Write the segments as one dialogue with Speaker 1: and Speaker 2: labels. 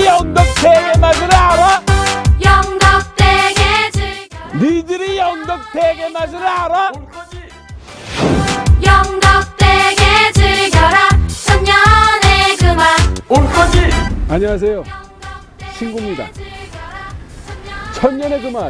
Speaker 1: 니들이 영덕대게 맛을 알아?
Speaker 2: 영덕대게 즐겨라.
Speaker 1: 니들이 영덕대게 맛을 알아?
Speaker 2: 영덕대게 즐겨라. 천년의 그 맛.
Speaker 1: 올 거지? 안녕하세요, 신구입니다. 천년의 그 맛,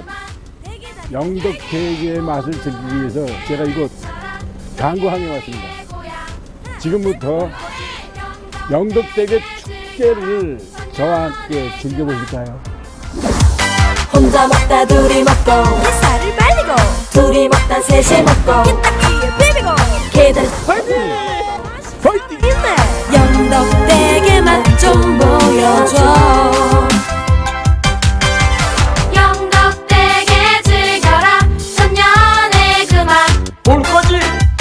Speaker 1: 영덕대게의 맛을 즐기기 위해서 제가 이곳 강구항에 왔습니다. 지금부터 영덕대게 축제를 저와 함께 즐겨보실까요?
Speaker 3: 혼자 먹다 둘이 먹고 햇살을 빨리고 둘이 먹다 셋이 먹고 kit딱지에 비비고 계단
Speaker 1: 파이팅! 파이팅!
Speaker 3: 힘내 영덕대게 맛 좀 보여줘.
Speaker 2: 영덕대게 즐겨라. 천년의 그 맛.
Speaker 1: 올 거지?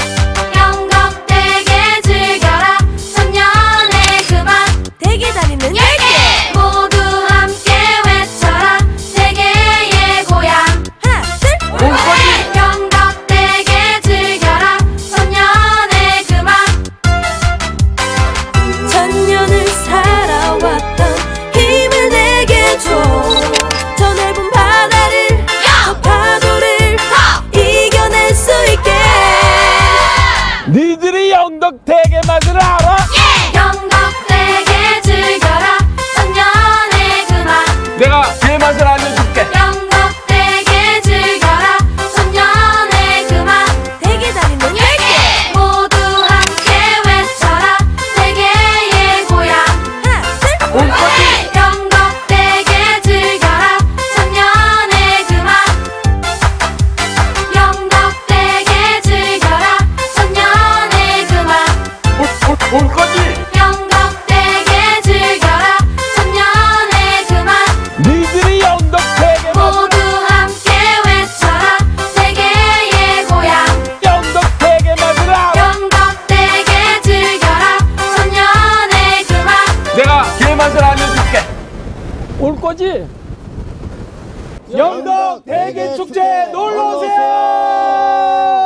Speaker 2: 영덕대게 즐겨라. 천년의 그 맛.
Speaker 3: 대게 다리는 10개
Speaker 2: 모두 함께 외쳐라. 대게의 고향.
Speaker 3: 하나 둘
Speaker 1: 올 거지?
Speaker 2: 영덕대게 즐겨라. 천년의 그 맛.
Speaker 3: 천년을 살아왔던 힘을 내게 줘. 저 넓은 바다를 저 파도를 이겨낼 수 있게.
Speaker 1: 니들이 영덕대게 맛을 알아?
Speaker 2: 영덕대게 즐겨라. 천년의 그 맛.
Speaker 1: 내가 그 맛을 알려줄게.
Speaker 2: 영덕대게 즐겨라. 천년의 그 맛.
Speaker 3: 대게 다리는 10개
Speaker 2: 모두 함께 외쳐라. 대게의 고향.
Speaker 3: 하나 둘
Speaker 1: 올 거지?
Speaker 2: 영덕대게 즐겨라. 천년의 그 맛. 영덕대게 즐겨라. 천년의 그 맛.
Speaker 1: 올 거지?
Speaker 2: 영덕대게 즐겨라. 천년의 그 맛.
Speaker 1: 니들이 영덕대게 맛을
Speaker 2: 모두 함께 외쳐라. 대게의 고향.
Speaker 1: 영덕대게 맛을 알아?
Speaker 2: 영덕대게 즐겨라. 천년의 그 맛.
Speaker 1: 내가 그 맛을 알려줄게. 올 거지? 영덕대게 축제 놀러 오세요.